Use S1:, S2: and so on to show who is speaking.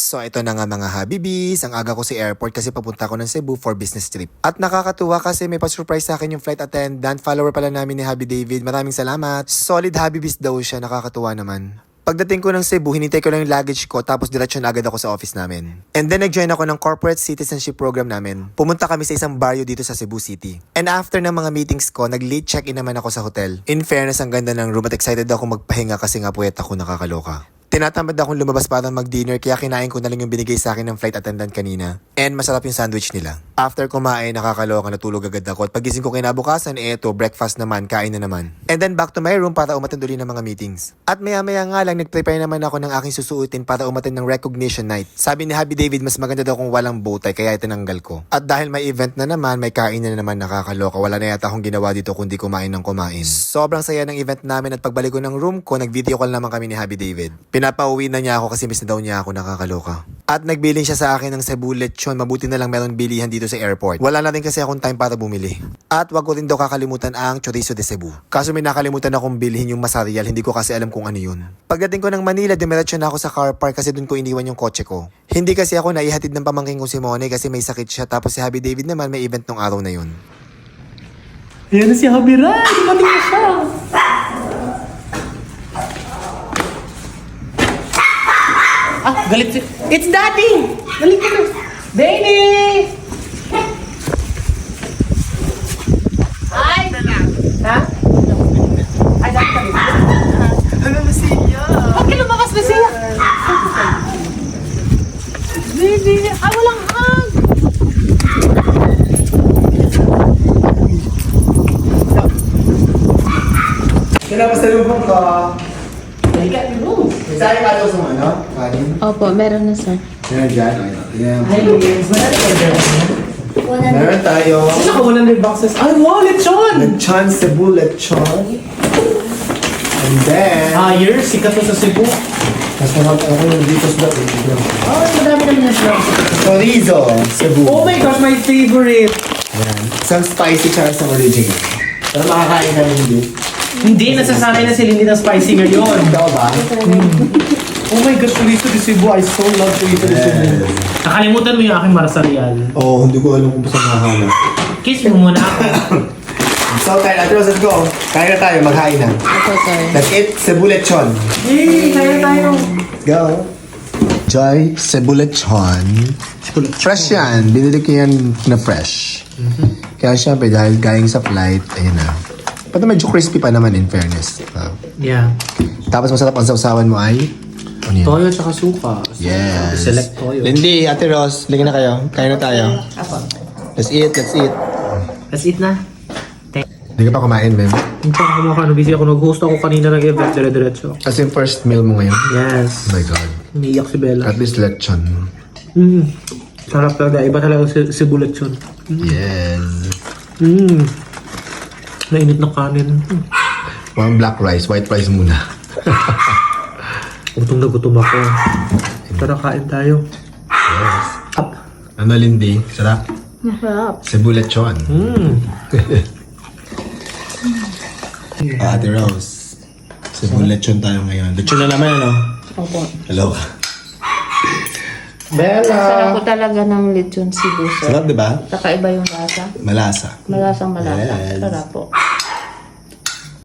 S1: So ito na nga mga Habibis, ang aga ko sa airport kasi papunta ko ng Cebu for business trip. At nakakatuwa kasi may pa-surprise sa akin yung flight attendant, follower pala namin ni Habi David. Maraming salamat. Solid Habibis daw siya, nakakatuwa naman. Pagdating ko ng Cebu, hinintay ko lang yung luggage ko tapos diretsyon agad ako sa office namin. And then nag-join ako ng corporate citizenship program namin. Pumunta kami sa isang barrio dito sa Cebu City. And after ng mga meetings ko, nag-late check-in naman ako sa hotel. In fairness, ang ganda ng room at excited ako magpahinga kasi nga puwet ako nakakaloka. Tinatamad akong lumabas para mag-dinner kaya kinain ko na lang yung binigay sa akin ng flight attendant kanina. And masarap yung sandwich nila. After kumain, nakakaloka, natulog agad ako. At pagising ko kinabukasan, eto, breakfast naman, kain na naman. And then back to my room para umattend ulit ng mga meetings. At maya-maya nga lang, nag-prepare naman ako ng aking susuotin para umattend ng recognition night. Sabi ni Habi David, mas maganda daw kung walang bowtie kaya itinanggal ko. At dahil may event na naman, may kain na naman, nakakaloka. Wala na yata akong ginawa dito kundi kumain ng kumain. Sobrang saya ng event namin at pagbalik ko ng room ko, nag-video call naman kami ni Habi David. Pinapauwi na niya ako kasi miss na daw niya ako, nakakaloka. At nagbilin siya sa akin ng Cebu lechon, mabuti na lang meron bilihan dito sa airport. Wala na rin kasi akong time para bumili. At wag ko rin daw kakalimutan ang chorizo de Cebu. Kaso may nakalimutan akong bilhin yung masarial, hindi ko kasi alam kung ano yun. Pagdating ko ng Manila, dumiretso na ako sa car park kasi dun ko iniwan yung kotse ko. Hindi kasi ako naihatid ng pamangking ko si Mone kasi may sakit siya, tapos si Habi David naman may event nung araw na yun.
S2: Ayan na si Habi Ray! Dumating na siya! Galit si... It's Daddy! Galit ka na! Baby! Ay! Ha? Ay, Daddy ka dito.
S1: Ano na siya?
S2: Bakit lumabas na siya? Baby! Ay, walang hug!
S1: Kinapos na lubong ka.
S2: Halika, Rose!
S1: Saan ka daw sa ano? Kanin?
S3: Opo, meron na sir.
S1: Yan, dyan. Yan.
S2: Hi, Luis! Wala na
S1: Meron tayo.
S2: Sino ka 100 boxes? Ay, wow! Lechon!
S1: Lechon, Cebu lechon. And then...
S2: Higher, sikat to sa Cebu.
S1: Mas marami ako yung dito sa dito.
S2: Ay, madami naman na siya.
S1: Chorizo, Cebu.
S2: Oh my gosh, my favorite!
S1: Yan. Isang spicy tsaka isang original. Pero makakain ka rin hindi.
S2: Hindi, nasasanay na sila hindi ng spicy ngayon.
S1: Ikaw ba?
S2: Oh my gosh, chorizo de Cebu. I so love chorizo de Cebu. Nakalimutan mo yung aking marasarial.
S1: Oo, hindi ko alam kung saan makahanap.
S2: Kiss mo muna ako.
S1: So, tayo, let's go. Kain na tayo, maghain na.
S3: Opo sir.
S1: That's it, Cebu lechon.
S2: Yay! Kaya tayo.
S1: Go. Joy, Cebu lechon. Fresh yan. Binili ko yan na fresh. Kaya syempre, dahil galing sa flight, ayun na. Pero medyo crispy pa naman in fairness.
S2: Yeah.
S1: Tapos masarap ang sausawan mo ay? Ano yun?
S2: Toyo tsaka suka.
S1: Yes.
S2: Select toyo.
S1: Lindy, Ate Ros, lingin na kayo. Kain na tayo. Let's eat, let's eat.
S2: Let's eat na.
S1: Hindi ka pa kumain, Mem.
S2: Hindi pa ako kumakain. Busy ako. Nag-host ako kanina ng event. Dire-diretso.
S1: As in first meal mo ngayon?
S2: Yes.
S1: Oh my God.
S2: Umiiyak si Bella.
S1: At least lechon.
S2: Sarap talaga. Iba talaga si bullet yun.
S1: Yes.
S2: Nainit na kanin.
S1: One black rice, white rice muna.
S2: Gutom na gutom ako. Tara, kain tayo.
S1: Yes.
S2: Up.
S1: Ano, Lindy? Sarap?
S3: Masarap.
S1: Cebu lechon. Ate Rose. Cebu lechon tayo ngayon. Lechon na naman, ano?
S3: Opo.
S1: Hello.
S2: Bella!
S3: Sarap ko talaga ng lechon Cebu sir.
S1: Sarap, di ba?
S3: Kakaiba yung lasa.
S1: Malasa.
S3: Malasang malasa.
S1: Yes.
S3: Sarap po.